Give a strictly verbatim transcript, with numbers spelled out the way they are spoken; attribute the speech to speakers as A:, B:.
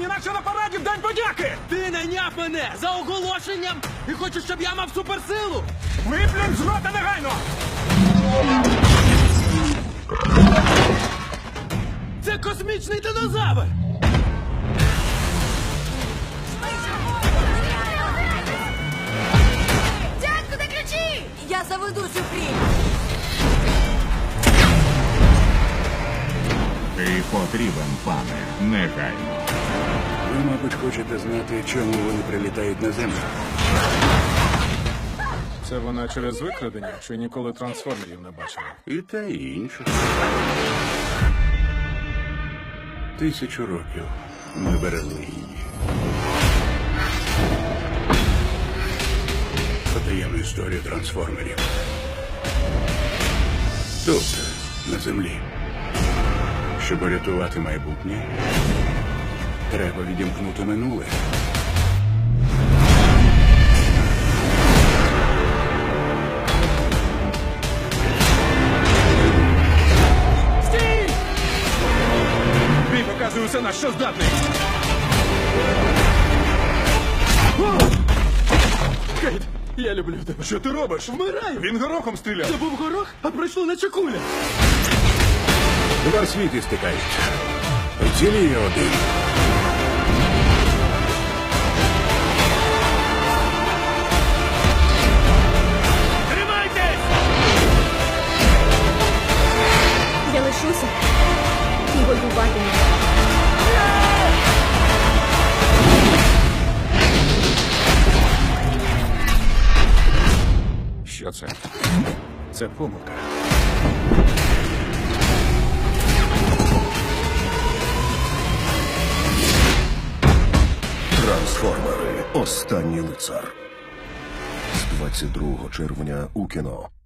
A: інакше на параді в День подяки!
B: Ти найняв мене за оголошенням і хочеш, щоб я мав суперсилу?
A: Виплюнь з рота негайно!
B: Це космічний динозавр!
C: Дядьку, де ключі? Я заведу цю хрінь.
D: Ти потрібен, пане, негайно.
E: Ви, мабуть, хочете знати, чому вони прилітають на землю.
F: Це вона через викрадення чи ніколи трансформерів не бачила?
E: І те, і інше. Тисячу років ми берегли її. Потаємну історію трансформерів. Тут, на землі. Щоб рятувати майбутнє, треба відімкнути минуле.
A: Стій! Бій показує усе, на що здатний!
B: Кейт, я люблю тебе.
A: Що ти робиш?
B: Вмираю!
A: Він горохом стріляв!
B: Це був горох, а пройшло наче куля.
E: Два світи стикаються. Вціліє один.
A: Тримайтесь!
C: Я лишуся і воюватиму.
E: Що це? Це помилка.
G: Трансформери. Останній лицар. З двадцять другого червня у кіно.